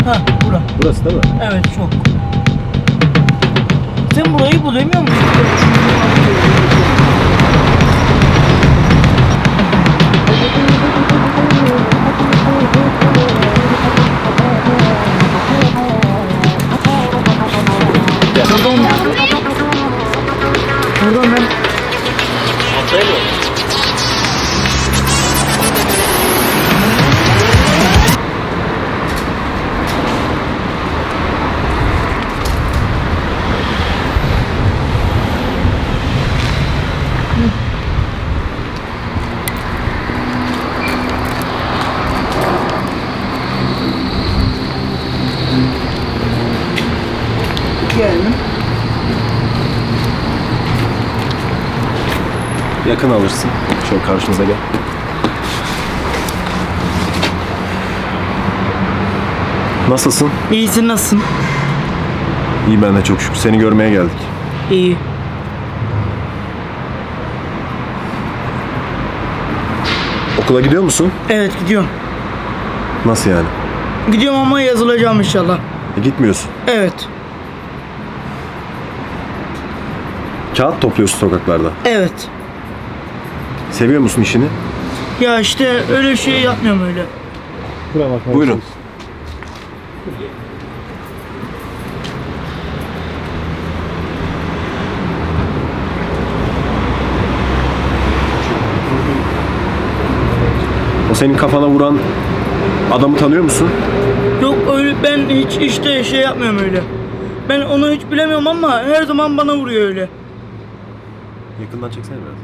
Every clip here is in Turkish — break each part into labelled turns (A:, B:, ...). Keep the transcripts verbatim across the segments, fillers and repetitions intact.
A: Ha, bura.
B: Burası değil mi?
A: Evet, çok. Sen burayı bulamıyor musun? Pardon. Pardon ben. Geldim.
B: Yakın alırsın. Şöyle karşımıza gel. Nasılsın?
A: İyisin, nasılsın?
B: İyi, ben de çok şükür. Seni görmeye geldik.
A: İyi.
B: Okula gidiyor musun?
A: Evet, gidiyorum.
B: Nasıl yani?
A: Gidiyorum ama yazılacağım inşallah.
B: E, gitmiyorsun.
A: Evet.
B: Kağıt topluyorsun sokaklarda.
A: Evet.
B: Seviyor musun işini?
A: Ya işte öyle şey yapmıyorum öyle.
B: Buyurun. O senin kafana vuran adamı tanıyor musun?
A: Yok öyle, ben hiç işte şey yapmıyorum öyle. Ben onu hiç bilemiyorum ama her zaman bana vuruyor öyle.
B: Yakından çeksene biraz.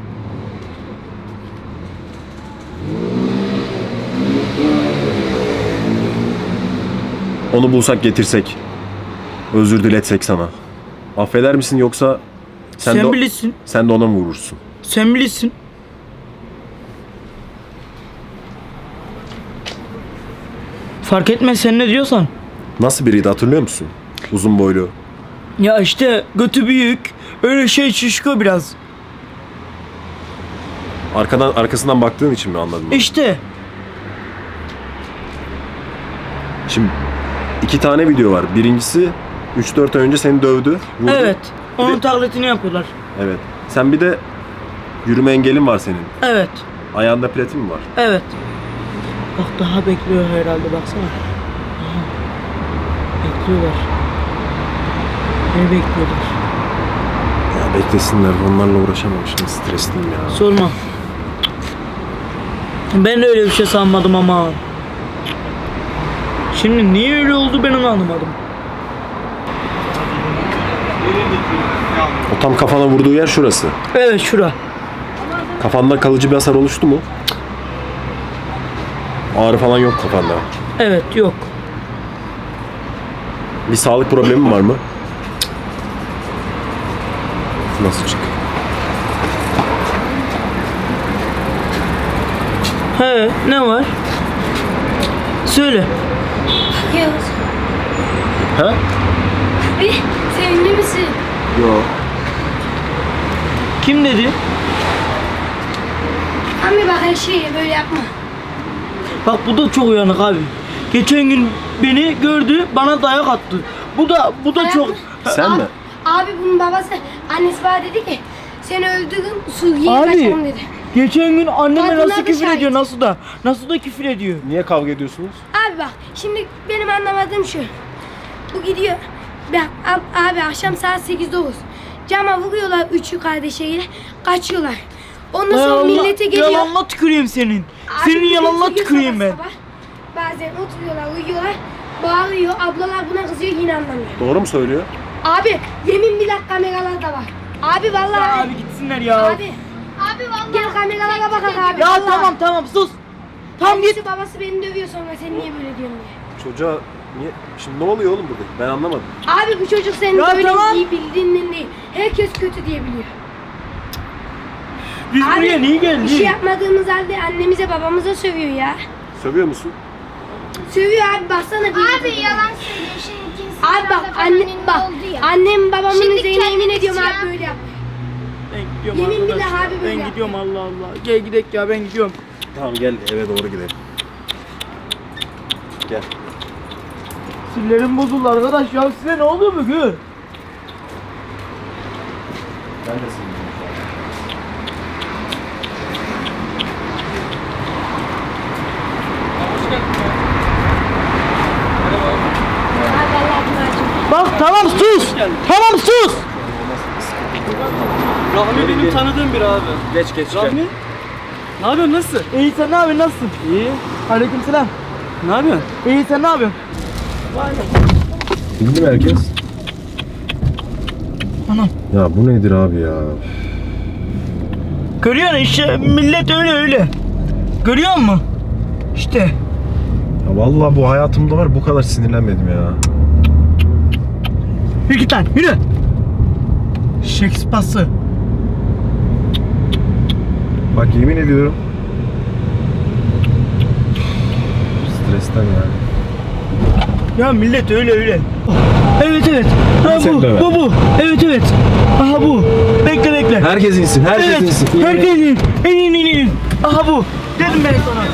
B: Onu bulsak getirsek, özür diletsek sana. Affeder misin yoksa sen,
A: Sen
B: de,
A: bilirsin.
B: sen de ona mı vurursun?
A: Sen bilirsin. Fark etmez, sen ne diyorsan.
B: Nasıl biriydi hatırlıyor musun? Uzun boylu.
A: Ya işte götü büyük. Öyle şey şişko biraz.
B: Arkadan arkasından baktığın için mi anladın?
A: İşte.
B: Şimdi iki tane video var. Birincisi üç dört ay önce seni dövdü. Vurdu.
A: Evet.
B: Bir
A: Onun
B: de-
A: taklitini yapıyorlar.
B: Evet. Sen bir de yürüme engelin var senin.
A: Evet.
B: Ayağında platin mi var?
A: Evet. Bak daha bekliyor herhalde, baksana. Aha. Bekliyorlar. Beni bekliyorlar.
B: Ya beklesinler. Onlarla uğraşamam şimdi. Stresliyim ya.
A: Sorma. Ben de öyle bir şey sanmadım ama. Şimdi niye öyle oldu ben onu anlamadım.
B: O tam kafana vurduğu yer şurası.
A: Evet, şura.
B: Kafanda kalıcı bir hasar oluştu mu? Ağrı falan yok kafanda.
A: Evet, yok.
B: Bir sağlık problemin var mı? Nasıl çık?
A: He, ne var? Söyle.
C: Yavuz,
B: Ha?
C: bir sevimli misin?
B: Yok.
A: Kim dedi?
C: Abi bak her şeyi böyle yapma.
A: Bak bu da çok uyanık abi. Geçen gün beni gördü, bana dayak attı. Bu da bu da
C: Dayak
A: çok.
C: mı?
B: Sen
C: abi,
B: mi?
C: Abi bunun babası, annesi bana dedi ki seni öldürdüm, Suriye'ye
A: Abi.
C: kaçalım dedi.
A: Geçen gün anneme
C: Kadınlar
A: nasıl
C: da
A: küfür
C: şahit.
A: ediyor, nasıl da nasıl da küfür ediyor.
B: Niye kavga ediyorsunuz?
C: Abi bak şimdi benim anlamadığım şu. Bu gidiyor. Ben, ab- abi akşam saat sekiz dokuz. Cama vuruyorlar üçü kardeşiyle, kaçıyorlar. Ondan sonra
A: Yalanla-
C: millete geliyor.
A: Yalanla tüküreyim senin.
C: Abi
A: Senin
C: bir de
A: yalanla
C: oturuyor
A: tüküreyim
C: sabah
A: ben.
C: sabah. Bazen oturuyorlar, uyuyorlar, bağırıyor, ablalar buna kızıyor, yine anlamıyor.
B: Doğru mu söylüyor?
C: Abi yemin billah kameralar da var. Abi vallahi.
A: Ya abi gitsinler ya.
C: Abi. Abi vallahi. Gel kameralara bakak abi.
A: Ya
C: vallahi.
A: tamam tamam sus. Tamam git.
C: Annesi babası beni dövüyor sonra sen niye böyle diyorsun diye.
B: Çocuğa niye? Şimdi ne oluyor oğlum burada? Ben anlamadım.
C: Abi bu çocuk senin
A: Ya
C: böyle
A: tamam.
C: iyi bildiğinden değil. Herkes kötü diye biliyor.
A: Biz
C: Abi,
A: buraya niye geldik?
C: Bir şey yapmadığımız halde annemize babamıza sövüyor ya.
B: Sövüyor musun?
C: Sövüyor abi baksana. Bir
D: Abi yalan söylüyor şimdi kimse.
C: Abi bak anne bak annem babamın
D: Şimdi
C: üzerine yemin
D: kendisi
C: ediyorum
D: ya.
C: abi böyle yap.
A: Ben gidiyorum
C: Yemin
A: arkadaşlar.
C: billah abi böyle
A: Ben
C: yap.
A: gidiyorum, Allah Allah. Gel gidelim ya, ben gidiyorum.
B: Tamam gel eve doğru gidelim. Gel.
A: Sillerim bozuldu arkadaş ya, size ne oluyor bugün?
B: Ben de sinirliyim.
A: Bak tamam sus! Tamam sus! Rahmi benim tanıdığım bir abi.
B: Geç geç
A: Rahmi? Ne yapıyorsun, nasılsın? İyi, sen ne yapıyorsun, nasılsın? İyi. Aleykümselam. Ne yapıyorsun? İyi, sen ne yapıyorsun?
B: Bildi mi herkes?
A: Anam.
B: Ya bu nedir abi ya?
A: Görüyorsun işte, millet öyle öyle. Görüyor musun? İşte.
B: Ya vallahi bu hayatımda var, bu kadar sinirlenmedim ya.
A: Yürü git lan, yürü. Şekspası.
B: Bak yemin ediyorum. Stresten yani.
A: Ya millet öyle öyle. Evet evet. Ha
B: Sen
A: bu,
B: döver.
A: bu bu. Evet evet. Aha bu. Bekle bekle.
B: Herkes insin, herkes
A: Evet.
B: insin.
A: Herkes in. En in in in. Aha bu. Dedim ben sana.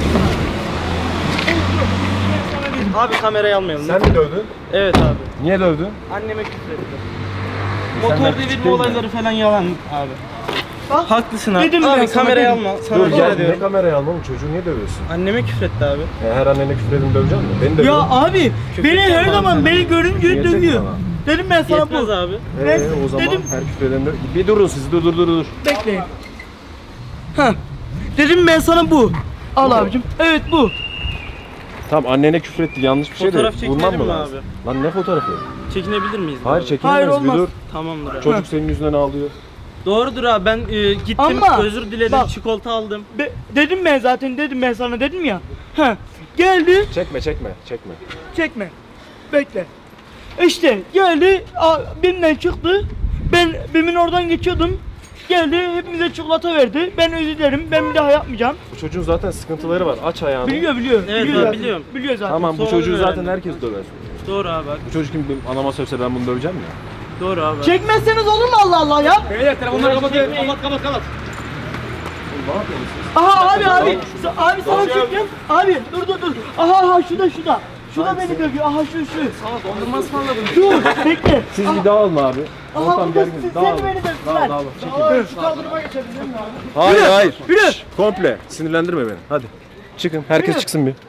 A: Abi kamerayı almayalım.
B: Sen mi dövdün?
A: Evet abi.
B: Niye dövdün?
A: Anneme küfür etti.
B: Senden
A: Motor
B: küçük
A: devirme
B: değil mi?
A: olayları falan yalan abi. Bak, haklısın abi.
C: Dedim
A: abi
C: ben sana,
A: kamerayı
C: dedim.
A: alma. Sana
B: Dur
A: rica
B: gel, ne
A: ediyorum.
B: kamerayı almam, çocuğu niye dövüyorsun?
A: Anneme küfür etti abi.
B: Ya her annene küfür edin döveceksin mi? Beni dövüyor.
A: Ya abi
C: Küfür
A: beni her
C: etmem
A: zaman
C: sana.
A: beni görünce
B: Gerçek
A: dövüyor.
B: bana.
A: Dedim ben sana
C: Yetmez
A: bu.
C: abi.
B: Ee,
A: Ben
B: o zaman
A: dedim
B: her küfür eden dö- Bir durun siz, dur dur dur dur.
A: bekleyin. Ha. Dedim ben sana bu. Al
B: Bu mu?
A: abicim. Evet bu.
B: Tamam, annene küfür etti, yanlış bir şey de
C: Fotoğraf
B: vurmam
C: çekinelim
B: mı
C: mi
B: lazım? Lan ne fotoğrafı?
C: Çekinebilir miyiz?
B: Hayır
C: abi?
B: çekilemez,
A: Hayır,
B: bir
A: olmaz.
B: dur.
C: Tamamdır abi.
B: Çocuk senin yüzünden ağlıyor.
C: Doğrudur abi, ben e, gittim
A: Ama
C: özür diledim,
A: bak-
C: çikolata aldım.
A: Be- dedim ben zaten, dedim ben sana, dedim ya. Ha. Geldi.
B: Çekme çekme çekme.
A: Çekme. Bekle. İşte geldi. a- Bimden çıktı. Ben Bim'in oradan geçiyordum. Geldi, hepimize çikolata verdi. Ben özür dilerim. Ben bir daha yapmayacağım.
B: Bu çocuğun zaten sıkıntıları var, aç ayağını.
A: Biliyor biliyor.
C: Evet,
A: biliyor
C: ben
A: zaten.
C: biliyorum.
A: Biliyor zaten.
B: Tamam, bu
C: Sonra
B: çocuğu zaten
C: öğrendim.
B: herkes döver.
C: Doğru abi bak.
B: Bu çocuk kim benim anama sövse ben bunu döveceğim ya.
C: Doğru abi.
A: Çekmezseniz olur mu Allah Allah ya?
C: Beyler telefonları kapatın. Kapat kapat kapat.
A: Aha abi abi. Sa- abi sana çekeceğim. Abi dur dur dur. Aha aha şurada şurada. Şurada beni dövüyor. Aha şu şu.
C: Sana dondurma ısmarladım.
A: Dur bekle.
B: Siz
A: Aha,
B: bir dağılın abi.
A: aha
B: Ortam
A: burada
B: gergin.
A: siz-
B: Dağılın.
A: sen de beni dövdün
B: Dağıl
A: lan.
B: dağılın. Çekil.
A: Aa, şu kaldırıma geçebilir miyim abi?
B: Hayır
A: Yürü,
B: hayır.
A: yürü.
B: Şşş, komple. Sinirlendirme beni. Hadi. Çıkın. Herkes
A: Yürü.
B: çıksın bir.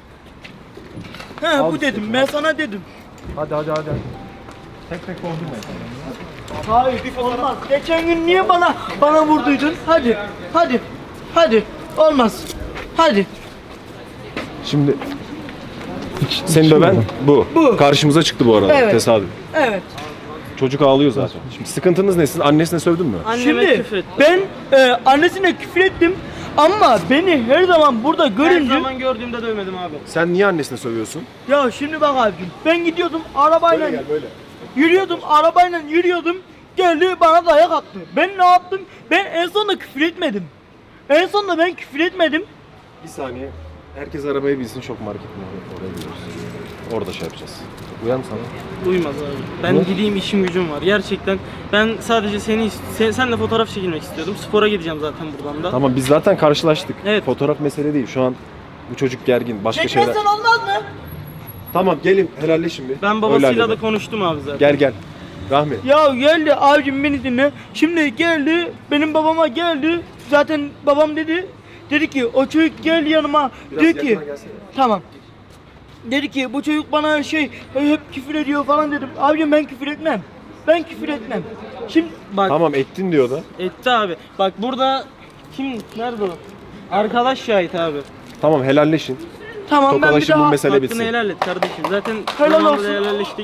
A: He bu dedim. Ben sana dedim.
B: Hadi hadi hadi. Tek tek doldurmayın.
A: Hayır olmaz. Geçen gün niye bana bana vurduydun? Hadi. Hadi. Hadi. Olmaz. Hadi.
B: Şimdi seni döven bu.
A: Bu.
B: Karşımıza çıktı bu arada.
A: Evet.
B: Tesadüf.
A: Evet.
B: Çocuk ağlıyor zaten. Şimdi sıkıntınız ne? Siz annesine sövdün mü?
C: Anneme
A: Şimdi
C: küfür ettim.
A: ben e, annesine küfür ettim ama beni her zaman burada
C: Her
A: görünce
C: zaman gördüğümde dövmedim abi.
B: Sen niye annesine sövüyorsun?
A: ya şimdi bak abicim ben gidiyordum arabayla
B: böyle.
A: yürüyordum arabayla yürüyordum geldi bana dayak attı. Ben ne yaptım? Ben en sonunda küfür etmedim. En sonunda ben küfür etmedim.
B: Bir saniye. Herkes arabayı bilsin, şok market mi? Oraya gidiyoruz. Orada şey yapacağız. Uyar mı sana?
C: Uymaz abi. Ben
B: Ne?
C: gideyim, işim gücüm var. Gerçekten ben sadece seni sen, senle fotoğraf çekilmek istiyordum. Spora gideceğim zaten buradan da.
B: Tamam, biz zaten karşılaştık.
C: Evet.
B: Fotoğraf mesele değil. Şu an bu çocuk gergin. Başka şeyler.
A: Çekmezsen olmaz mı?
B: Tamam, gelin helalleşin bir.
C: Ben
B: Öyle
C: babasıyla da
B: halledelim.
C: konuştum abi zaten.
B: Gel gel. Rahmi.
A: Ya geldi abicim beni dinle. Şimdi geldi benim babama geldi. Zaten babam dedi. Dedi ki o çocuk gel yanıma.
B: Biraz
A: Dedi ki
B: yakına gelsene.
A: tamam. Dedi ki bu çocuk bana şey hep küfür ediyor falan dedim. Abicim ben küfür etmem. Ben küfür etmem. Şimdi
C: Bak
B: Tamam, ettin diyor da.
C: etti abi. Bak burada kim nerede o? Arkadaş şahit abi.
B: Tamam, helalleşin.
A: tamam ben bir
B: Tokalaşın, bu
A: daha
B: mesele
C: Hakkını
B: bitsin.
C: helal et kardeşim. Zaten
A: Helal
C: zamanında
A: olsun.
C: helalleştik.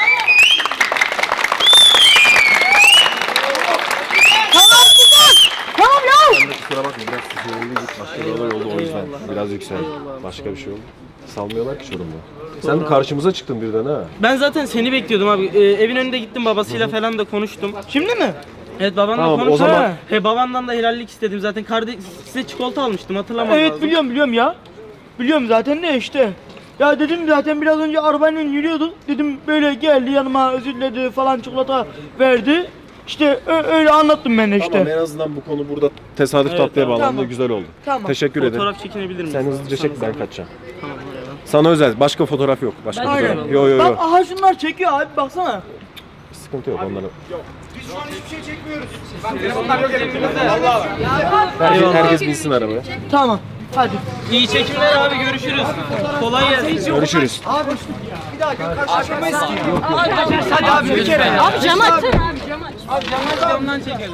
A: tamam ya.
B: Sen de kusura bakma, biraz sinirliydik. Başka bir olay oldu o yüzden.
C: Eyvallah.
B: Biraz yükseldi.
C: Eyvallah.
B: Başka bir şey oldu. Salmıyorlar ki Çorum'da. Sen karşımıza çıktın birden ha.
C: Ben zaten seni bekliyordum abi. Ee, evin önünde gittim, babasıyla falan da konuştum.
A: Şimdi mi?
C: Evet, babanla
B: Tamam, o
C: konuştum.
B: zaman-
C: He, babandan da helallik istedim. Zaten kardeş size çikolata almıştım, hatırlamam
A: Evet
C: lazım.
A: biliyorum biliyorum ya. Biliyorum zaten ne işte. Ya dedim zaten biraz önce arabayla yürüyorduk. Dedim böyle geldi yanıma özür diledi falan çikolata verdi. İşte ö- öyle anlattım ben de işte.
B: Tamam, en azından bu konu burada tesadüf
C: Evet,
B: tatlıya
C: tamam.
B: bağlandı.
A: Tamam.
B: Güzel oldu.
A: Tamam.
B: Teşekkür ederim.
C: Fotoğraf çekinebilir miyiz?
B: Sen hızlıca çek, ben
C: Sana zahmet.
B: kaçacağım.
C: Tamam, eyvallah.
B: Sana özel. Başka fotoğraf yok. Başka
A: Aynen.
B: fotoğraf. Yo yo yo.
A: Bak aha şunlar çekiyor abi baksana.
B: Sıkıntı yok onlara.
E: Biz şu an hiçbir şey çekmiyoruz. Bak telefonlar yok elimizde. Vallahi.
B: Herkes, herkes binsin arabaya.
A: Tamam. Hadi.
F: İyi çekimler abi, görüşürüz. Kolay gelsin.
B: Görüşürüz.
E: Bir daha gün karşılaşamayız ki.
F: Hadi abi bir kere.
G: Abi cam açsana.
F: Abi camdan camdan çekelim.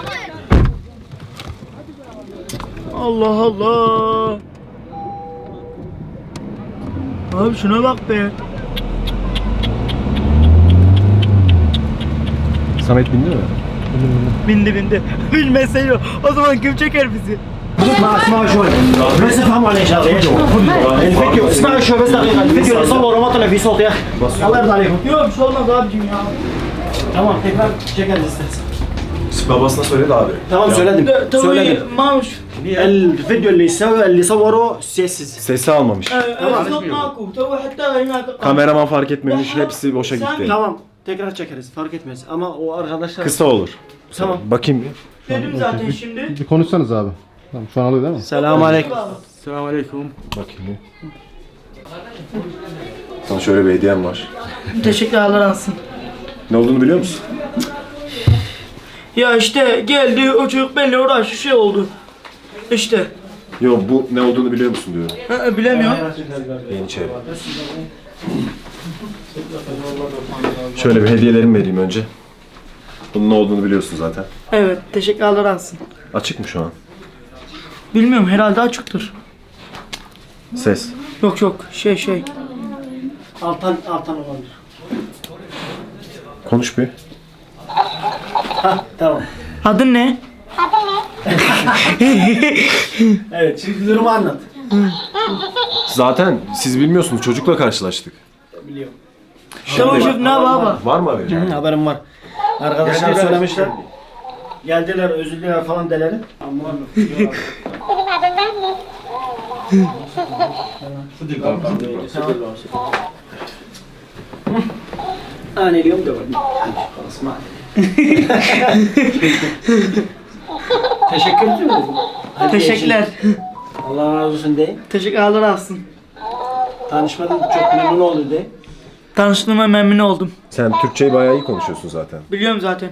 A: Allah Allah. Abi şuna bak be.
B: Samet bindi mi?
A: Bindi bindi. Bilmese yok. O zaman kim çeker bizi?
H: اسمع اسمع شوي بس افهموا علي شغله يا جماعه الفيديو اسمعوا شوي بس دقيقه الفيديو اللي صوره ما طلع فيه صوت يا اخي الله يرضى عليكم
A: Yok bir şey olmaz abicim ya.
H: تمام تكرار شكل استاذ
B: Babasına söyledi abi.
H: تمام söyledim
A: Tabii
H: söyledim
A: Mamuş.
H: الفيديو اللي سوى اللي صوره sessiz
B: Sesi almamış.
A: Esnaf maku. Tabii hatta هناك.
B: Kameraman fark etmemiş. Hepsi boşa gitti.
H: tamam tekrar çekeriz fark etmez ama o arkadaşlar
B: Kısa olur.
H: Tamam.
B: Bakayım bir.
A: Dedim zaten şimdi.
I: Bir konuşsanız abi. Tamam şu an alıyor değil mi?
H: selam aleyküm
B: Bakayım bir. Sana şöyle bir hediyem var.
A: Teşekkürler olsun.
B: Ne olduğunu biliyor musun?
A: Ya işte geldi o çocuk benimle uğraştı şey oldu. İşte.
B: Yok bu ne olduğunu biliyor musun diyorum.
A: Ha, bilemiyorum.
B: Yeniçeri. Şöyle bir hediyelerimi vereyim önce. Bunun ne olduğunu biliyorsun zaten.
A: Evet teşekkürler olsun.
B: Açık mı şu an?
A: Bilmiyorum herhalde açıktır.
B: Ses.
A: Yok yok şey şey.
H: altan altan olabilir
B: Konuş bir.
H: tamam
A: Adın ne?
H: evet şimdi durumu anlat
B: Zaten siz bilmiyorsunuz. Çocukla karşılaştık.
H: biliyorum
A: Tamam şef ne baba?
B: Var mı haberi?
H: Hı, haberim var arkadaşlar söylemişler geldiler özür dilerim falan deleri ama أنا اليوم دوري خلاص ما Teşekkür ederim.
A: Teşekkürler.
H: Allah razı olsun de.
A: Teşekkürler olsun.
H: Tanışmadan çok memnun oldum de.
A: Tanıştığıma memnun oldum.
B: Sen Türkçeyi bayağı iyi konuşuyorsun zaten.
A: Biliyorum zaten.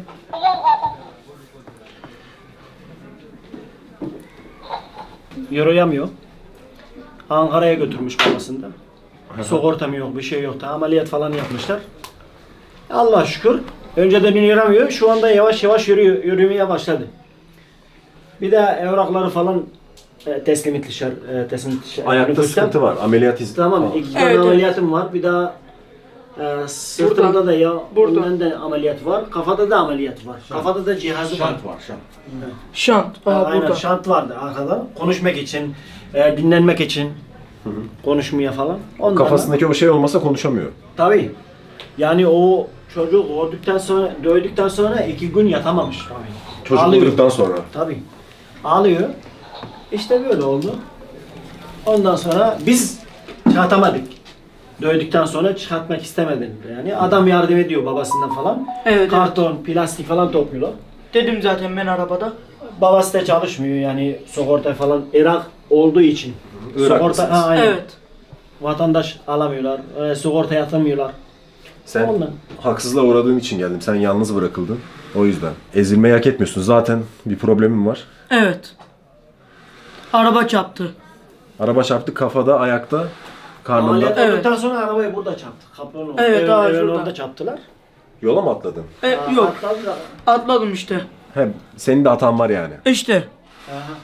H: Yürüyemiyor. Ankara'ya götürmüş babasında. Sigortam yok, bir şey yoktu. Ameliyat falan yapmışlar. Allah şükür. Önceden yürüyemiyor. Şu anda yavaş yavaş yürüyor, yürümeye başladı. Bir de evrakları falan e, teslim etmişler. E, teslim etmişler.
B: Ayakta
H: Nüfustan.
B: sıkıntı var. Ameliyat izni.
H: Tamam, iki tane
A: Evet, evet.
H: ameliyatım var. Bir daha e, sırtımda
A: Burada.
H: da ya
A: Burada.
H: bundan da ameliyat var. Kafada da ameliyat var. Kafada da cihazı var.
A: Şant. Aa,
H: Aynen
A: burada.
H: şant vardı arkada. Konuşmak için, e, dinlenmek için. Konuşmaya falan. Ondan
B: Kafasındaki o şey olmasa konuşamıyor.
H: Tabii. Yani o çocuk öldükten sonra, dövdükten sonra iki gün yatamamış. Tabii.
B: Çocuk
H: Ağlıyor.
B: öldükten sonra.
H: Tabii. Ağlıyor. İşte böyle oldu. Ondan sonra biz çıkartamadık. Dövdükten sonra çıkartmak istemedim. Yani adam yardım ediyor babasından falan.
A: Evet,
H: Karton, plastik falan topluyorlar.
A: Dedim zaten ben arabada.
H: Babası da çalışmıyor yani sigorta falan Irak olduğu için.
B: Iraklısınız.
H: Sigorta, ha, aynen.
A: Evet.
H: Vatandaş alamıyorlar, e, sigorta yatırmıyorlar.
B: Sen
H: Ondan.
B: haksızlığa uğradığın için geldim. Sen yalnız bırakıldın. O yüzden. Ezilmeyi hak etmiyorsun. Zaten bir problemin var.
A: Evet. Araba çarptı.
B: Araba çarptı kafada, ayakta, karnında.
H: Ameliyat
A: Evet.
H: olduktan sonra arabayı burada çarptı. Kapının orada.
A: Evet,
H: Evin-
A: daha
H: evin
A: şurada.
H: orada çarptılar.
B: Yola mı atladın?
A: E,
H: Aa,
A: yok.
H: atladılar.
A: Atladım işte.
B: He, senin de hatan var yani.
A: İşte.
H: Aha.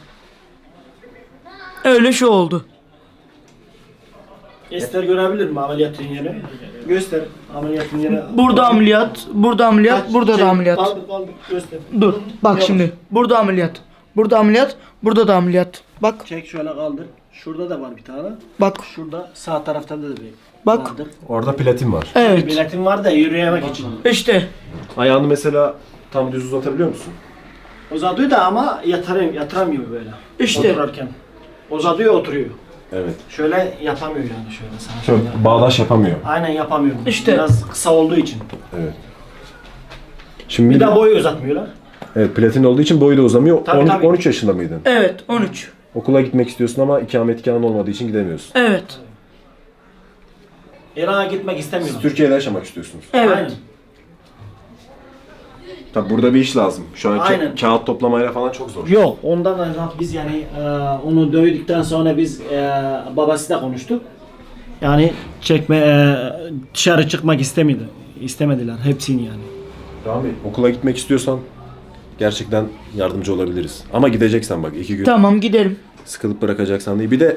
A: Öyle şey oldu.
H: Göster görebilir mi ameliyatın yeri? Göster ameliyatın yeri.
A: Burada ameliyat, burada ameliyat,
H: Kaç-
A: burada
H: şey,
A: da ameliyat.
H: Kaldır kaldır göster.
A: Dur. Bak
H: Yavaş.
A: şimdi. Burada ameliyat. Burada ameliyat, burada da ameliyat. Bak,
H: Çek şöyle kaldır. Şurada da var bir tane.
A: bak,
H: Şurada sağ tarafta da bir
A: bak.
H: kaldır.
B: Orada platin var.
A: Evet.
H: Biletim var da yürüyemek için.
A: İşte.
B: Ayağını mesela tam düz uzatabiliyor musun?
H: Uzatıyor da ama yatarım, yatıramıyor böyle.
A: İşte.
H: Otururken. Uzatıyor oturuyor.
B: Evet.
H: Şöyle yapamıyor yani şöyle sana.
B: Şöyle
H: şöyle.
B: bağdaş yapamıyor.
H: Aynen yapamıyor.
A: İşte.
H: Biraz kısa olduğu için.
B: Evet. Şimdi
H: Bir de boyu uzatmıyorlar.
B: evet, platin olduğu için boyu da uzamıyor.
H: Tabii,
B: on,
H: tabii.
B: on üç yaşında mıydın?
A: Evet, on üç.
B: Okula gitmek istiyorsun ama ikametgahın olmadığı için gidemiyorsun.
A: Evet.
H: İran'a gitmek istemiyor.
B: Siz Türkiye'de yaşamak istiyorsunuz.
A: Evet.
H: Aynen.
B: Tabi burada bir iş lazım. Şu an ka-
H: Aynen.
B: kağıt toplamayla falan çok zor.
H: Yok, ondan da biz yani e, onu dövdükten sonra biz e, babasıyla konuştuk. Yani çekme e, dışarı çıkmak istemedi. İstemediler hepsini yani.
B: Rami, okula gitmek istiyorsan gerçekten yardımcı olabiliriz. Ama gideceksen bak iki gün
A: Tamam gidelim.
B: sıkılıp bırakacaksan değil. Bir de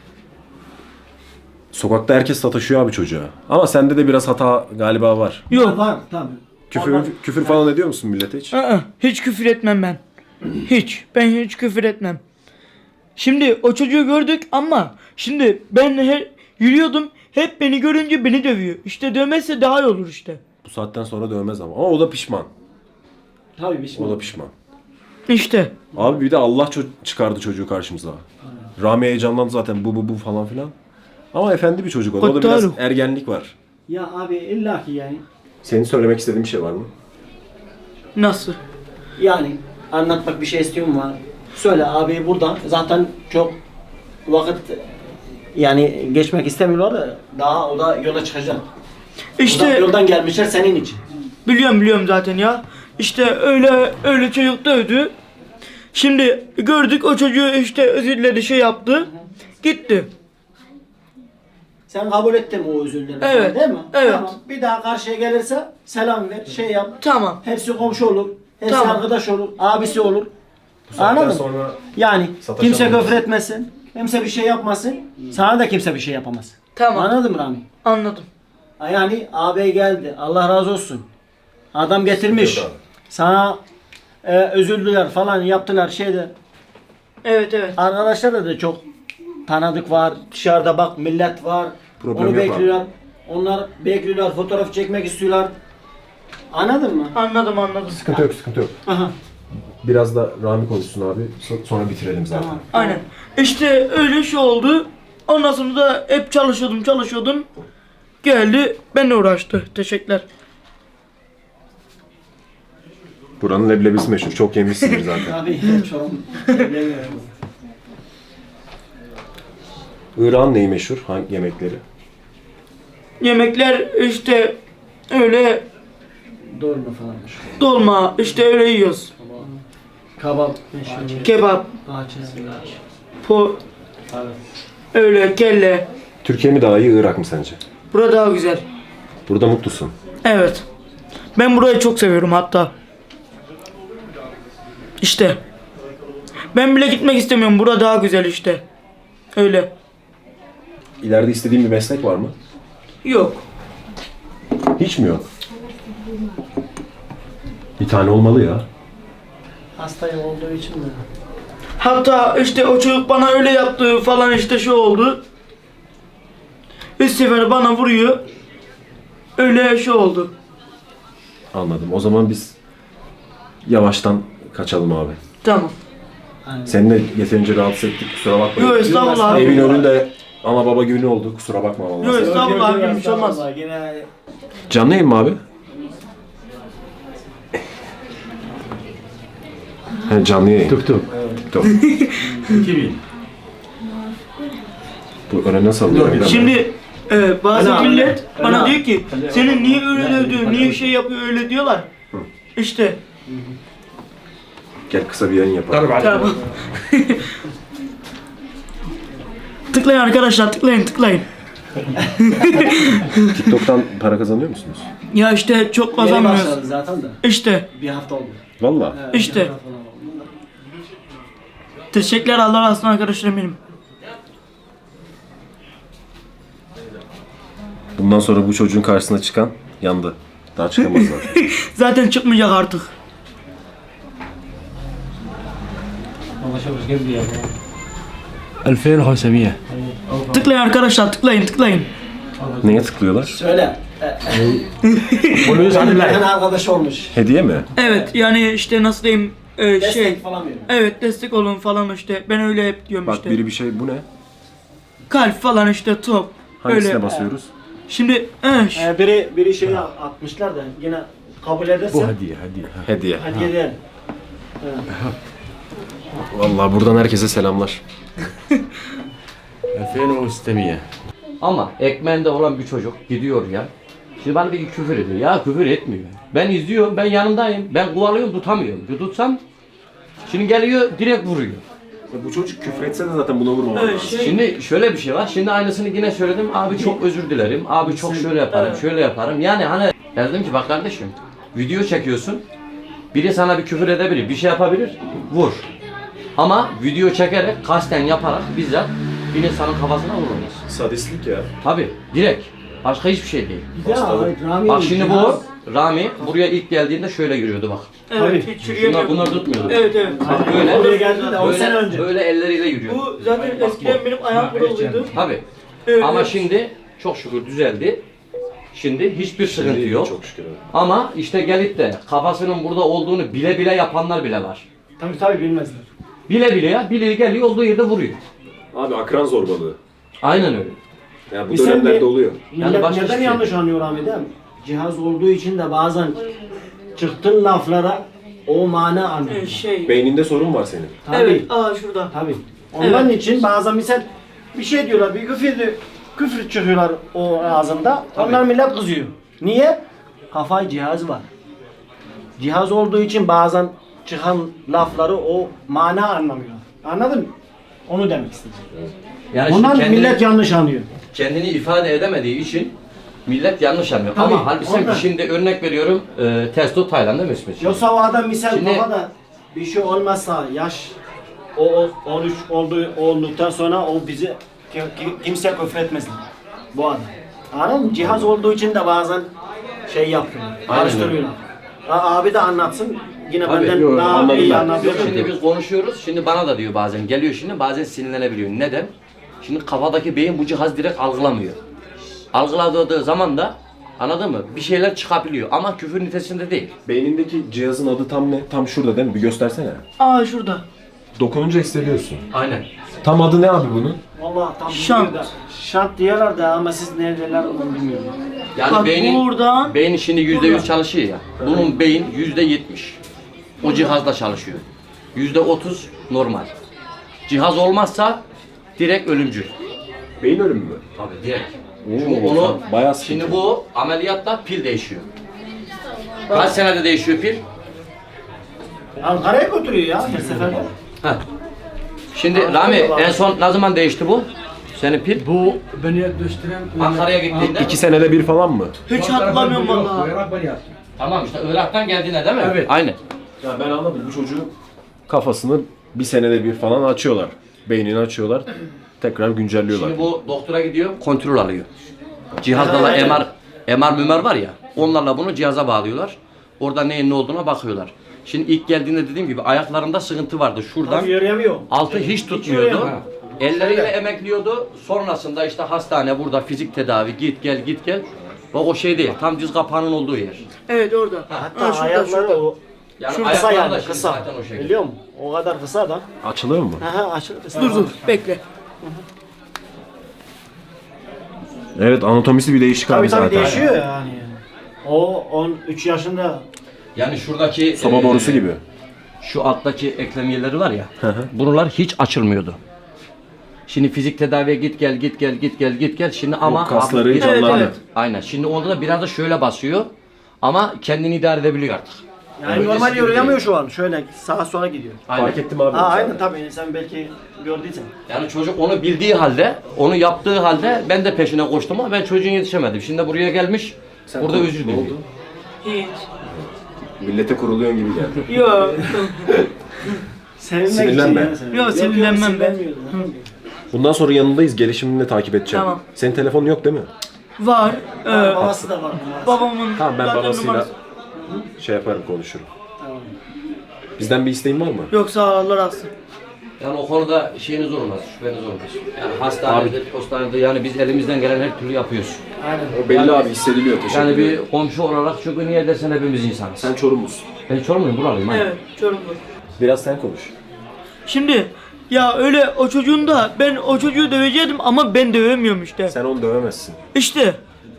B: sokakta herkes sataşıyor abi çocuğa. Ama sende de biraz hata galiba var.
A: Yok.
H: Var tabii.
B: Küfür,
H: Ondan-
B: küfür falan ediyor musun millete hiç?
A: Aa, hiç küfür etmem ben. Hiç. Ben hiç küfür etmem. Şimdi o çocuğu gördük ama şimdi ben her, yürüyordum. Hep beni görünce beni dövüyor. İşte dövmezse daha iyi olur işte.
B: Bu saatten sonra dövmez ama. Ama o da pişman.
H: Tabii bir şey.
B: O da pişman.
A: İşte.
B: Abi bir de Allah ço- çıkardı çocuğu karşımıza. Rami heyecanlandı zaten bu bu bu falan filan. Ama efendi bir çocuk o da. O da biraz
A: Kutlarım.
B: ergenlik var.
H: Ya abi illaki yani.
B: Senin söylemek istediğin bir şey var mı?
A: Nasıl?
H: Yani anlatmak bir şey istiyorum var. Söyle abi buradan zaten çok vakit yani geçmek istemiyorlar da daha o da yola çıkacak. Uzak
A: İşte
H: yoldan gelmişler senin için.
A: biliyorum biliyorum zaten ya. İşte öyle öyle çocuk dövdü. Şimdi gördük o çocuğu işte özür diledi şey yaptı. Gitti.
H: Sen kabul ettin o özürleri falan,
A: Evet,
H: değil mi?
A: evet.
H: Tamam. Bir daha karşıya gelirse selam ver, şey yap.
A: Tamam.
H: Hepsi komşu olur. Hepsi
A: Tamam.
H: arkadaş olur. Abisi olur.
B: Bu saatten
H: Anladın mı?
B: sonra
H: Yani
B: Sataşamayız.
H: kimse küfür etmesin. Kimse bir şey yapmasın. Sana da kimse bir şey yapamaz.
A: Tamam.
H: Anladın mı Rami?
A: Anladım.
H: Yani ağabey geldi. Allah razı olsun. Adam getirmiş.
B: Yok abi.
H: Sana e, özüldüler falan yaptılar şeyde.
A: Evet evet.
H: Arkadaşlar da çok tanıdık var. Dışarıda bak millet var.
B: Problem
H: Onu
B: yok
H: bekliyorlar. Onlar bekliyorlar. Fotoğraf çekmek istiyorlar. Anladın mı?
A: Anladım anladım.
B: Sıkıntı yok, sıkıntı yok.
H: Aha.
B: Biraz da Rami konuşsun abi. So- Sonra bitirelim zaten.
H: Tamam.
A: Aynen. İşte öyle şey oldu. Ondan sonra da hep çalışıyordum çalışıyordum. Geldi benimle uğraştı. Teşekkürler.
B: Buranın leblebisi meşhur. Çok yemişsindir zaten.
H: Abi çok bilemiyorum.
B: İran neyi meşhur? Hangi yemekleri?
A: Yemekler işte öyle
H: Dolma falan.
A: dolma işte öyle yiyoruz.
H: Kabap. meşhur.
A: Kebap,
H: Bahçe.
A: po, öyle kelle.
B: Türkiye mi daha iyi, Irak mı sence?
A: Burada daha güzel.
B: Burada mutlusun.
A: Evet. Ben burayı çok seviyorum hatta. İşte. Ben bile gitmek istemiyorum. Burada daha güzel işte. Öyle.
B: İleride istediğin bir meslek var mı?
A: Yok.
B: Hiç mi yok? Bir tane olmalı ya.
H: Hastayım olduğu için mi?
A: Hatta işte o çocuk bana öyle yaptı falan işte şu oldu. Üç sefer bana vuruyor. Öyle şey oldu.
B: Anladım. O zaman biz yavaştan kaçalım abi.
A: Tamam.
B: Seni de yeterince rahatsız ettik. Kusura bakma.
A: Yok estağfurullah
B: Evin
A: abi.
B: önünde ana baba günü oldu. Kusura bakma vallahi.
A: Yok estağfurullah abi bir şey olmaz.
H: Yine
B: Canlı yayın mı abi? He, canlı yayın. Tuk tuk. Tuk. Bu öne nasıl alıyor?
A: Şimdi e, bazı
H: Öyle
A: millet
H: abi.
A: bana
H: Öyle
A: diyor ki senin niye öyle dövdü, niye şey yapıyor öyle diyorlar. İşte
B: Gel kısa bir yayın yapalım.
A: tamam. Tıklayın arkadaşlar tıklayın tıklayın.
B: TikTok'tan para kazanıyor musunuz?
A: Ya işte çok
H: yeni
A: kazanmıyoruz.
H: başladı zaten de.
A: İşte
H: Bir hafta oldu.
B: Valla.
A: işte.
H: Bir hafta falan oldu.
A: Teşekkürler Allah razı olsun arkadaşlarım benim.
B: Bundan sonra bu çocuğun karşısına çıkan yandı. Daha çıkamaz zaten.
A: Zaten çıkmayacak artık.
G: ألفين وخمسمية
A: Tıklayın arkadaşlar tıklayın tıklayın.
B: Neye tıklıyorlar?
H: Söyle. Benim yakın arkadaş olmuş.
B: Hediye mi?
A: Evet yani işte nasıl diyeyim e,
H: Destek
A: şey.
H: falan veriyor.
A: Evet destek olun falan işte. Ben öyle hep diyorum
B: Bak
A: işte.
B: biri bir şey bu ne?
A: Kalp falan işte top.
B: Hangisine
A: Öyle.
B: basıyoruz?
A: Şimdi eh, ş-
H: Ee, biri biri şey atmışlar da yine kabul ederse
G: هدية هدية
B: Hediye.
H: hediye ederim.
B: Vallahi buradan herkese selamlar.
G: ألفين وستمية Ama ekmeğinde olan bir çocuk gidiyor ya. Şimdi bana bir küfür ediyor. Ya küfür etmiyor. Ben izliyorum, ben yanındayım. Ben kovalıyorum, tutamıyorum. Bir tutsam, şimdi geliyor direkt vuruyor.
B: Ya bu çocuk küfür etse de zaten buna vurmamalı.
A: Evet, şey,
G: Şimdi şöyle bir şey var. Şimdi aynısını yine söyledim. Abi çok özür dilerim. Abi çok şöyle yaparım,
A: Evet.
G: şöyle yaparım. Yani hani ya dedim ki bak kardeşim, video çekiyorsun. Biri sana bir küfür edebilir, bir şey yapabilir. Vur. Ama video çekerek, kasten yaparak bizzat bir insanın kafasına vurulmaz.
B: Sadistlik ya.
G: Tabi, direkt. Başka hiçbir şey değil.
H: Ya, Rami,
G: Bak şimdi
H: cihaz-
G: bu Rami buraya ilk geldiğinde şöyle giriyordu bak.
A: evet,
H: Tabii.
A: hiç
G: Bunlar,
A: yürüyemiyor.
G: bunlar tutmuyordu.
A: Evet evet.
G: Bak böyle,
H: Oraya geldi de on
G: böyle,
H: sene önce.
G: böyle elleriyle yürüyor.
A: Bu zaten eskiden benim ayağım buralıydı.
G: Tabi.
A: Evet,
G: Ama
A: evet.
G: şimdi çok şükür düzeldi. Şimdi hiçbir sıkıntı yok.
B: Çok şükür. abi.
G: Ama işte gelip de kafasının burada olduğunu bile bile yapanlar bile var.
H: Tabii tabii bilmezler.
G: Bile bile ya, bile geliyor olduğu yerde vuruyor.
B: Abi akran zorbalığı.
G: Aynen öyle.
B: Ya bu
H: Biz sen
B: dönemlerde
H: bir-
B: oluyor.
H: Millet
G: Yani başka
H: neden
G: hiçbir şey
H: yanlış anlıyor Ahmet abi? Cihaz olduğu için de bazen çıktığın laflara o mana anlıyor.
A: Evet, şey.
B: Beyninde sorun var senin.
H: Tabii.
A: Evet, aa şurada.
H: Tabii. Ondan için bazen misal bir şey diyorlar, bir küfür, küfür çıkıyorlar o ağzında. Onlar millet kızıyor. Niye? Kafayı cihaz var. Cihaz olduğu için bazen çıkan lafları o mana anlamıyor. Anladın mı? Onu demek istedim.
G: Yani şimdi
H: Bundan
G: kendini,
H: millet yanlış anlıyor.
G: kendini ifade edemediği için millet yanlış anlıyor.
H: Tabii,
G: Ama halbuki
H: ondan.
G: şimdi örnek veriyorum, e, Testo Tayland'da mı ismi?
H: Yoksa o adam misal
G: Şimdi-
H: kafada bir şey olmazsa yaş o, o on üç oldu olduktan sonra o bizi ki- ki- kimse küfür etmez bu adam. Anladın mı? Cihaz olduğu için de bazen şey yapıyor.
G: Aynen
H: Karıştırıyorlar. Ha, abi de anlatsın. Yine
G: Tabii,
H: benden
B: yok,
H: daha
B: anladım
H: iyi
B: ben.
H: anlatıyor.
G: Yok, şimdi biz konuşuyoruz. Şimdi bana da diyor bazen. Geliyor şimdi bazen sinirlenebiliyor. Neden? Şimdi kafadaki beyin bu cihaz direkt algılamıyor. Algıladığı zaman da anladın mı? Bir şeyler çıkabiliyor ama küfür nitesinde değil.
B: Beynindeki cihazın adı tam ne? Tam şurada değil mi? Bir göstersene.
A: Aa şurada.
B: Dokununca hissediyorsun.
G: Aynen.
B: Tam adı ne abi bunun?
H: Vallahi tam
A: Şant.
H: bilmiyorum da. Şant diyorlar da ama siz ne derler onu bilmiyorum.
G: Yani
A: Bak
G: beynin,
A: buradan-
G: beynin şimdi yüzde
A: buradan.
G: yüz çalışıyor ya. Bunun beyin yüzde yetmiş. O cihazda çalışıyor. Yüzde otuz normal. Cihaz olmazsa direkt ölümcül.
B: Beyin ölümü mü?
G: Tabii direkt.
B: Oo,
G: Çünkü onu,
B: bayağı sıkıntı.
G: şimdi bu ameliyatta pil değişiyor. Kaç senede değişiyor pil?
H: Ankara'ya götürüyor ya her seferde.
G: Heh. Şimdi Rami en son ne zaman değişti bu? Senin pil? Bu
E: Beni gösteren
G: Ankara'ya gittiğinde.
B: İki senede bir falan mı?
A: Hiç hatırlamıyorum vallahi.
E: Irak bari yaptı.
G: Tamam işte Irak'tan geldiğine değil mi? Evet. Aynen.
B: Ya ben anladım. Bu çocuğun kafasını bir senede bir falan açıyorlar. Beynini açıyorlar. Tekrar güncelliyorlar.
G: Şimdi bu doktora gidiyor, kontrol alıyor. Cihazlarla M R, M R mümer var ya, onlarla bunu cihaza bağlıyorlar. Orada neyin ne olduğuna bakıyorlar. Şimdi ilk geldiğinde dediğim gibi ayaklarında sıkıntı vardı. Şuradan
H: Tam yürüyemiyor.
G: altı hiç tutmuyordu.
H: yürüyemiyor.
G: Elleriyle emekliyordu. Sonrasında işte hastane, burada fizik tedavi, git gel git gel. Bak o şey değil, tam diz kapağının olduğu yer.
A: Evet orada.
H: Hatta
A: Ha, şurada
H: ayakları
A: şurada.
H: o
G: Yani
H: şu kısa
G: ayakları da
H: yani
G: şimdi
H: kısa.
G: zaten o şekilde.
H: Biliyor musun? O kadar kısa da.
B: Açılıyor mu?
H: Aha açılır kısa.
A: Dur dur bekle.
B: Evet, anatomisi bir değişik
H: Tabii
B: abi
H: tabii
B: zaten.
H: değişiyor yani. O on üç yaşında
G: Yani şuradaki
B: Soba
G: eee,
B: borusu gibi.
G: şu alttaki eklem yerleri var ya, buralar hiç açılmıyordu. Şimdi fizik tedaviye git gel git gel git gel git gel şimdi ama
B: kasları
G: abi-
B: hiç
A: Evet,
B: anlamıyor.
A: evet.
G: Aynen. Şimdi orada da biraz da şöyle basıyor ama kendini idare edebiliyor artık.
H: yani
G: Öncesi
H: normal
G: gibi
H: yürüyemiyor
G: değil.
H: şu an. Şöyle sağa sola gidiyor.
G: Aynen.
B: Fark ettim abi.
H: Ha aynen tabii sen belki gördüysen.
G: Yani çocuk onu bildiği halde, onu yaptığı halde ben de peşine koştum ama ben çocuğun yetişemedim. Şimdi buraya gelmiş,
B: Sen
G: burada
B: ne
G: özür diliyor.
B: oldu?
A: Hiç.
B: Millete kuruluyorsun gibi geldi.
A: Yok.
H: Seninle
B: Sinirlenme.
H: gideceksin ya sen.
A: Yok, sinirlenmem ben.
H: sinirlenmiyorum.
B: Bundan sonra yanındayız. Gelişimini de takip edeceğim.
A: Tamam.
B: Senin telefonun yok değil mi?
A: Var. Ee,
H: Babası da var. babası.
A: babamın
B: Tamam, ben
A: zaten
B: babasıyla
A: numarası-
B: şey yaparım, konuşurum.
H: Tamam.
B: Bizden bir isteğin var mı?
A: Yoksa Allah razı.
G: Yani o konuda şeyiniz olmaz, şüpheniz olmaz. Yani hastanede, postanede yani biz elimizden gelen her türlü yapıyoruz.
H: Aynen.
B: O belli abi, hissediliyor. Teşekkür
G: Yani
B: ederim.
G: bir komşu olarak çünkü niye dersen hepimiz insanız.
B: Sen Çorumlusun.
G: Ben Çorumluyum, buralıyım. aynen.
A: Evet, Çorumlu.
B: Biraz sen konuş.
A: Şimdi ya öyle o çocuğun da ben o çocuğu dövecektim ama ben dövemiyorum işte.
B: Sen onu dövemezsin.
A: İşte.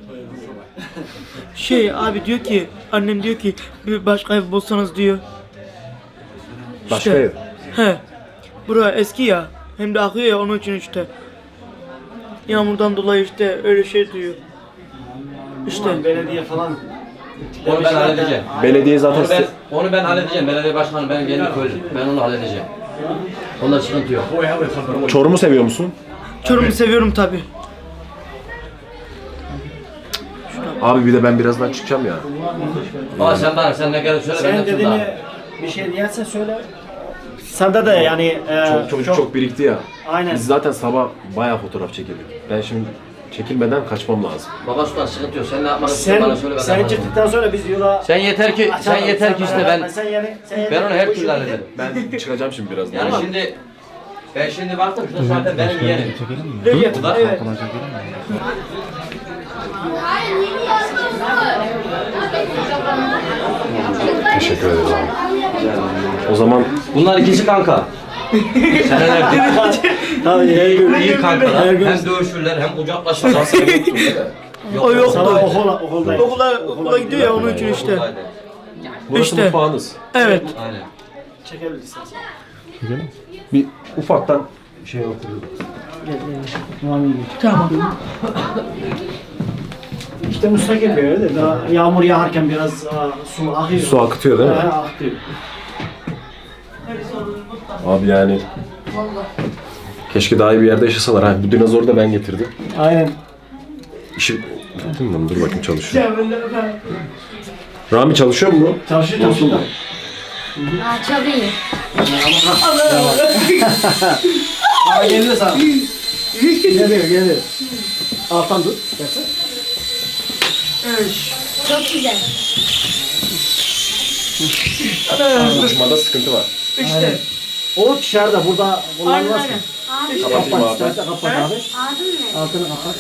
A: Şey abi diyor ki annem diyor ki bir başka ev bulsanız diyor.
B: Başka
A: İşte.
B: ev.
A: He. Bura eski ya. Hem de akıyor ya onun için işte. Yağmurdan dolayı işte öyle şey diyor. İşte.
H: Ulan belediye falan.
G: Onu ben halledeceğim.
B: Belediye zaten
G: Onu ben,
B: size-
G: onu ben halledeceğim. Belediye başkanı benim kendi köylüm. Ben onu halledeceğim. Onda sıkıntı yok.
B: Çorum'u seviyor musun?
A: Çorum'u seviyorum tabi.
B: Abi bir de ben birazdan çıkacağım ya.
G: Baba sen bana sen ne gerek söyle ben
H: Sen
G: yapayım
H: dediğini
G: daha.
H: bir şey diyersen söyle. Sende de yani e,
B: Çok, çocuk çok, birikti ya.
H: Aynen.
B: Biz zaten sabah bayağı fotoğraf çekildik. Ben şimdi çekilmeden kaçmam lazım.
G: Baba sultan sıkıntı yok. Sen ne yapmak istiyorsun
H: Sen,
G: bana söyle ben
H: sen
G: yaparım.
H: çıktıktan sonra biz yola
G: Sen yeter ki sen
H: açalım.
G: yeter ki işte
H: merak
G: ben
H: etme, sen yani, sen yani
G: ben onu her
H: bu
G: türlü
H: işi
G: hallederim.
B: Ben çıkacağım şimdi birazdan.
G: Yani şimdi ben şimdi baktım şurada zaten benim yeğenim.
A: Recep,
G: Bu da
A: evet.
B: Teşekkür ederiz abi. O zaman
G: Bunlar ikisi kanka. Senelerdir
H: Tabii her gün.
G: iyi kankalar.
H: Her gün.
G: Hem dövüşürler hem kucaklaşırlar.
A: O yoktu.
H: Sabah okula, okuldayım.
A: Okula, okula gidiyor ya onun için işte.
B: burası
A: İşte.
B: mutfağınız.
A: Evet.
G: Aynen.
H: Çekebiliriz istersen.
B: Bir ufaktan şey oturuyoruz.
A: Tamam.
H: İşte müstakil bir öyle de daha yağmur yağarken biraz aa, su akıyor.
B: Su akıtıyor değil mi?
H: He, akıyor.
B: Abi yani keşke daha iyi bir yerde yaşasalar. Ha, bu dinozoru da ben getirdim.
H: Aynen.
B: İşi bitti mi? Dur bakayım çalışıyor. Rami çalışıyor mu?
H: Çalışıyor çalışıyor.
D: Aa, çok iyi.
H: Aa geliyor sana. Geliyor geliyor. Alttan tut. istersen.
D: Çok güzel.
B: Konuşmada sıkıntı var.
A: İşte.
H: O dışarıda burada
A: Aynen
H: kullanılmaz.
A: aynen.
D: Abi,
B: Kapatayım
H: Kapat
B: abi.
H: istersen kapat abi.
D: adın ne?
H: Altını kapat.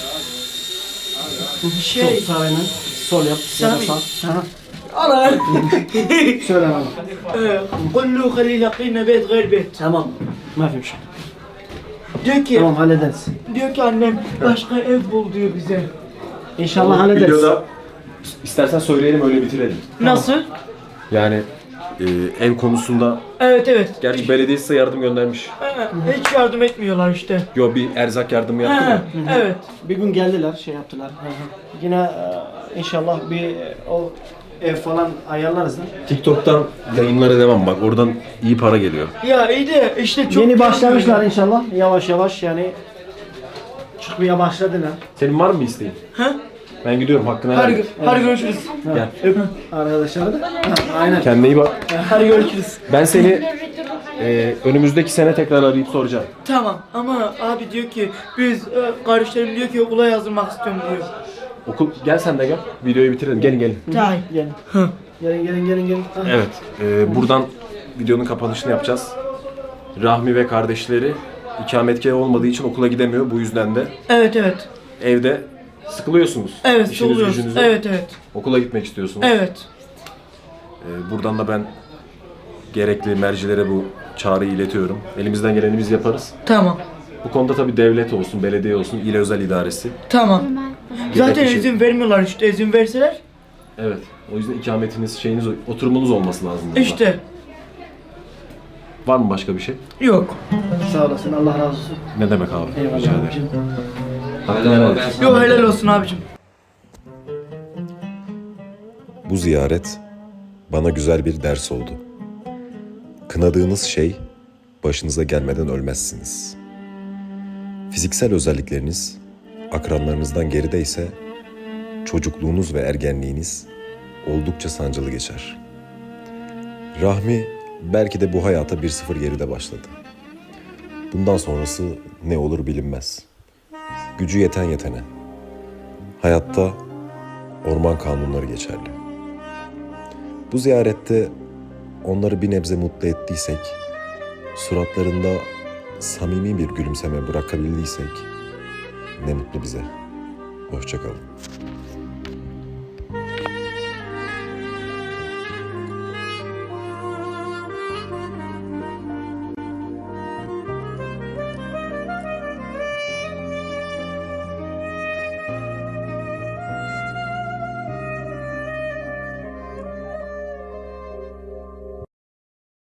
A: Şey.
H: Sol sağ aynen. Sol yap. Ya da
A: Sağ.
H: sağ. Aha.
A: Ana.
H: Söyle bana.
A: قل له خليه يلاقينا بيت غير بيت.
H: Tamam. Ma fi müşkil.
A: Diyor ki,
H: Tamam hallederiz.
A: diyor ki annem başka ev bul diyor bize.
H: İnşallah hallederiz.
B: Videoda istersen söyleyelim öyle bitirelim.
A: Nasıl?
B: Yani e, ev konusunda
A: Evet evet.
B: gerçi belediye size yardım göndermiş.
A: Ha, hiç yardım etmiyorlar işte.
B: Yo bir erzak yardımı yaptı
A: Ha,
B: mı?
A: evet.
H: Bir gün geldiler, şey yaptılar. Hı hı. Yine e, inşallah bir e, o ev falan ayarlarız da.
B: TikTok'tan yayınlara devam bak oradan iyi para geliyor.
A: Ya iyi de işte çok
H: Yeni başlamışlar
A: yanmıyor.
H: inşallah. Yavaş yavaş yani çıkmaya başladılar.
B: Senin var mı bir isteğin?
A: Ha?
B: Ben gidiyorum hakkını helal
A: Hadi,
B: et.
A: hadi görüşürüz.
B: Gel.
H: Öp arkadaşlar da. Ha, aynen.
B: Kendine iyi bak.
A: Hadi görüşürüz.
B: Ben seni e, önümüzdeki sene tekrar arayıp soracağım.
A: Tamam ama abi diyor ki biz e, kardeşlerim diyor ki okula yazdırmak istiyorum diyor.
B: Okul gel sen de gel. Videoyu bitirelim. Gelin gelin.
A: Tamam.
H: Gelin. Gelin gelin gelin gelin. Ha.
B: Evet. e, buradan videonun kapanışını yapacağız. Rahmi ve kardeşleri ikametgahı olmadığı için okula gidemiyor. Bu yüzden de
A: Evet evet.
B: evde sıkılıyorsunuz.
A: Evet
B: İşiniz
A: oluyoruz.
B: gücünüz.
A: Evet evet.
B: Okula gitmek istiyorsunuz.
A: Evet.
B: Ee, buradan da ben gerekli mercilere bu çağrıyı iletiyorum. Elimizden geleni biz yaparız.
A: Tamam.
B: Bu konuda tabii devlet olsun, belediye olsun, il özel idaresi.
A: Tamam. Zaten
B: Gerekli şey-
A: izin vermiyorlar işte izin verseler.
B: Evet. O yüzden ikametiniz, şeyiniz, oturumunuz olması lazım burada.
A: İşte.
B: Var mı başka bir şey?
A: Yok.
H: Sağ olasın. Allah razı olsun.
B: Ne demek abi? Rica
H: Eyvallah
B: ederim.
H: abicim.
B: Hakkını helal et.
A: Yok helal olsun abicim.
J: Bu ziyaret bana güzel bir ders oldu. Kınadığınız şey başınıza gelmeden ölmezsiniz. Fiziksel özellikleriniz akranlarınızdan geride ise çocukluğunuz ve ergenliğiniz oldukça sancılı geçer. Rahmi belki de bu hayata bir sıfır geride başladı. Bundan sonrası ne olur bilinmez. Gücü yeten yetene. Hayatta orman kanunları geçerli. Bu ziyarette onları bir nebze mutlu ettiysek, suratlarında samimi bir gülümseme bırakabildiysek ne mutlu bize. Hoşça kalın.